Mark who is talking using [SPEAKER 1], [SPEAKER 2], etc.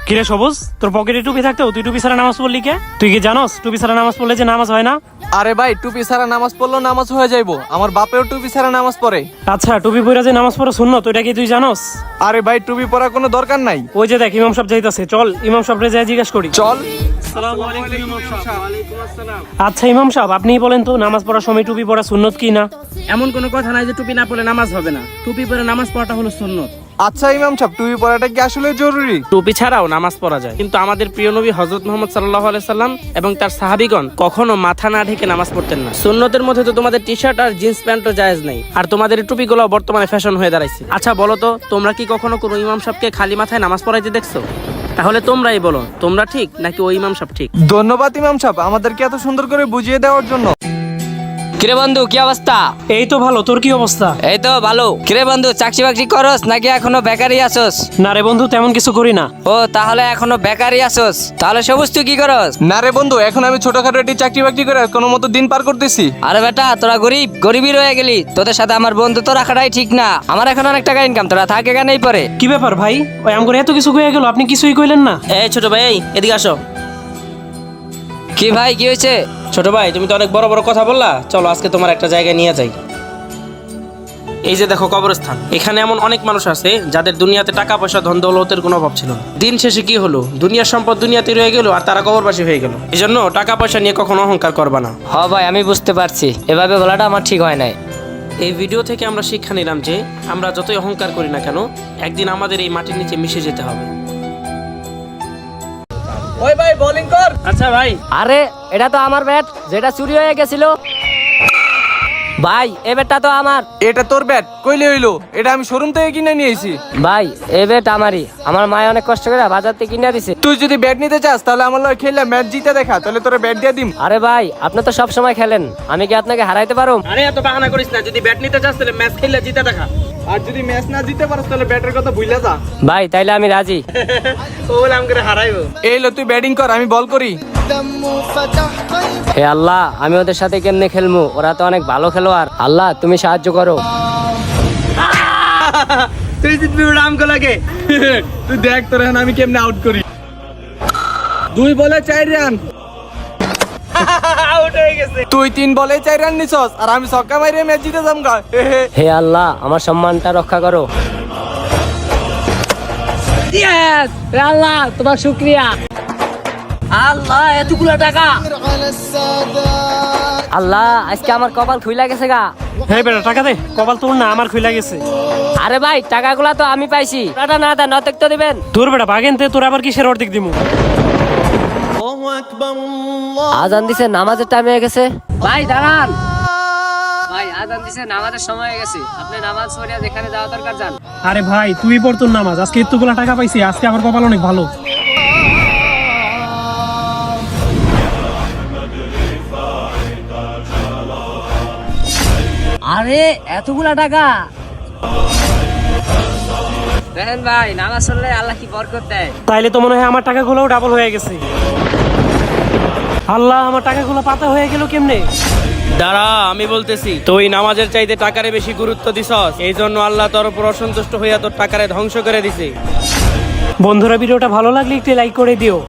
[SPEAKER 1] কিরে সবুজ, তোর পকেটে টুপি থাকতেও তুই টুপি ছাড়া নামাজ পড়লি কে? তুই কি জানোস টুপি ছাড়া নামাজ পড়লে যে নামাজ হয় না?
[SPEAKER 2] আরে ভাই, টুপি ছাড়া নামাজ পড়লেও নামাজ হয়ে যাইবো। আমার বাপেও টুপি ছাড়া নামাজ পড়ে।
[SPEAKER 1] আচ্ছা, টুপি পরে যে নামাজ পড়া সুন্নত ওটা কি তুই জানোস?
[SPEAKER 2] আরে ভাই, টুপি পরার কোনো দরকার নাই।
[SPEAKER 1] ওই যে দেখ ইমাম সাহেব যাইতাছে, চল ইমাম সাহেবরে যাই জিজ্ঞাসা করি।
[SPEAKER 2] চল।
[SPEAKER 1] আচ্ছা ইমাম সাহেব, আপনিই বলেন তো নামাজ পড়ার সময় টুপি পরা সুন্নত কি না?
[SPEAKER 3] এমন কোনো কথা নাই যে টুপি না পড়লে নামাজ হবে না। টুপি পরে নামাজ পড়াটা হলো সুন্নত।
[SPEAKER 2] আচ্ছা ইমাম সাহেব, টুপি পরাটা কি আসলে জরুরি?
[SPEAKER 3] টুপি ছাড়াও নামাজ পড়া যায়, কিন্তু আমাদের প্রিয় নবী হযরত মুহাম্মদ সাল্লাল্লাহু আলাইহি সাল্লাম এবং তার সাহাবীগণ কখনো মাথা না ঢেকে নামাজ পড়তেন না। সুন্নতের মধ্যে তো তোমাদের টি শার্ট আর জিন্স প্যান্টও জায়েজ নাই, আর তোমাদের এই টুপিগুলো বর্তমানে ফ্যাশন হয়ে দাঁড়াইছে। আচ্ছা বলো তো, তোমরা কি কখনো কোনো ইমাম সাহেবকে খালি মাথায় নামাজ পড়াইতে দেখছো? তাহলে তোমরাই বলো, তোমরা ঠিক নাকি ওই ইমাম সাহেব ঠিক?
[SPEAKER 2] ধন্যবাদ ইমাম সাহেব আমাদেরকে এত সুন্দর করে বুঝিয়ে দেওয়ার জন্য।
[SPEAKER 4] কিরে বন্ধু, কি অবস্থা?
[SPEAKER 1] এই তো ভালো, তোর কি অবস্থা?
[SPEAKER 4] এই তো ভালো। কিরে বন্ধু, চাকরি বাকরি করস নাকি এখনো বেকারই আসোস?
[SPEAKER 1] না রে বন্ধু, তেমন কিছু করি না।
[SPEAKER 4] ও তাহলে এখনো বেকারই আসোস? তাহলে সবুজ তুই কি করস?
[SPEAKER 2] না রে বন্ধু, এখন আমি ছোটখাটো একটি চাকরি বাকরি করে কোনো মতো দিন পার করতেছি।
[SPEAKER 4] আরে বেটা, তোরা গরিবই রয়ে গেলি। তোদের সাথে আমার বন্ধুত্ব রাখাটাই ঠিক না। আমার এখন অনেক টাকা ইনকাম, তোরা থাকে কেনই পরে।
[SPEAKER 1] কি ব্যাপার ভাই, ওই আমগরে এত কিছু কয়ে গেল, আপনি কিছুই কইলেন না?
[SPEAKER 3] এই ছোট ভাই, এদিকে আসো।
[SPEAKER 4] কি ভাই, কি হয়েছে?
[SPEAKER 3] ছোট ভাই, তুমি তো অনেক বড় বড় কথা বললা, চলো আজকে তোমার একটা জায়গায় নিয়ে যাই। এই যে দেখো কবরস্থান, এখানে এমন অনেক মানুষ আছে যাদের দুনিয়াতে টাকা পয়সা ধন দৌলতের কোনো অভাব ছিল না। দিন শেষে কি হলো, দুনিয়ার সম্পদ দুনিয়াতে রয়ে গেল আর তারা কবরবাসী হয়ে গেল। এই জন্য টাকা পয়সা নিয়ে কখনো অহংকার করবা না।
[SPEAKER 4] হ ভাই, আমি বুঝতে পারছি, এভাবে বলাটা আমার ঠিক হয় নাই।
[SPEAKER 3] এই ভিডিও থেকে আমরা শিক্ষা নিলাম যে আমরা যতই অহংকার করি না কেন, একদিন আমাদের এই মাটির নিচে মিশে যেতে হবে।
[SPEAKER 2] ওই ভাই, বোলিং কর।
[SPEAKER 3] আচ্ছা ভাই।
[SPEAKER 4] আরে এটা তো আমার ব্যাট, যেটা চুরি হয়ে গেছিল। ভাই এই ব্যাটটা তো আমার।
[SPEAKER 2] এটা তোর ব্যাট কইলে হইলো? এটা আমি শোরুম থেকে কিনে নিয়েছি।
[SPEAKER 4] ভাই এই ব্যাট আমারই, আমার মায়ে অনেক কষ্ট করে বাজার থেকে কিনে দিছে।
[SPEAKER 2] তুই যদি ব্যাট নিতে চাস তাহলে আমার লগে খেললে ম্যাচ জিতে দেখা, তাহলে তোর ব্যাট দিয়ে দিম।
[SPEAKER 4] আরে ভাই, আপনি তো সব সময় খেলেন, আমি কি আপনাকে হারাইতে পারো?
[SPEAKER 3] আরে এত বাহানা করিস না, যদি ব্যাট নিতে চাস তাহলে ম্যাচ খেললে জিতে দেখা।
[SPEAKER 2] আর যদি ম্যাচ না জিতে পারস তাহলে ব্যাটের কথা ভুলে যা।
[SPEAKER 4] ভাই তাইলে আমি রাজি।
[SPEAKER 3] ও বলে আমাকে হারাইবো।
[SPEAKER 2] এই লো, তুই ব্যাটিং কর, আমি বল করি।
[SPEAKER 4] হে আল্লাহ, আমি ওদের সাথে কেমনে খেলবো? ওরা তো অনেক ভালো খেলোয়াড়। আল্লাহ তুমি সাহায্য করো।
[SPEAKER 2] তুই জিতবি ওটা আমকে লাগে। তুই দেখ তোর এখন আমি কেমনে আউট করি। 2 বলে 4 রান।
[SPEAKER 3] আউট হয়ে গেছে।
[SPEAKER 2] তুই 3 বলে 4 রান নিছস আর আমি ছক্কা মাইরে ম্যাচ জিতে যাম গা।
[SPEAKER 4] হে আল্লাহ, আমার সম্মানটা রক্ষা করো। ইয়েস আল্লাহ, তোমার শুকরিয়া। আল্লাহ এতগুলো টাকা। আল্লাহ আজকে আমার কপাল খুইলা গেছে গা।
[SPEAKER 1] হে বেটা, টাকা দে। কপাল তোর না, আমার খুইলা গেছে।
[SPEAKER 4] আরে ভাই, টাকাগুলা তো আমি পাইছি। টাকা না দেন, অর্ধেক তো দিবেন।
[SPEAKER 1] তোর বেটা বাগেনতে, তোর আবার কিসের অর্ধেক দিমু?
[SPEAKER 4] আজান দিছে, নামাজের টাইম হয়ে গেছে। ভাই দাঁড়ান। ভাই আজান দিছে, নামাজের সময় হয়ে গেছে। আপনি নামাজ পড়িয়া যেখানে যাওয়া দরকার যান।
[SPEAKER 1] আরে ভাই, তুই পড় তোর নামাজ। আজকে এতগুলা টাকা পাইছি, আজকে আমার কপাল অনেক ভালো।
[SPEAKER 4] আরে এতগুলা টাকা! দেখেন ভাই, নামাজ পড়লে আল্লাহ কি বরকত দেয়।
[SPEAKER 1] তাইলে তো মনে হয় আমার টাকাগুলোও ডাবল হয়ে গেছে। আল্লাহ, আমার টাকাগুলো পাতা হয়ে গেল কেমনে?
[SPEAKER 3] দাঁড়া, আমি বলতেছি। তুই নামাজের চাইতে টাকারে বেশি গুরুত্ব দিছস, এই জন্য আল্লাহ তোর উপর অসন্তুষ্ট হইয়া তোর টাকারে ধ্বংস করে দিছে।
[SPEAKER 1] বন্ধুরা, ভিডিওটা ভালো লাগলে একটু লাইক করে দিও।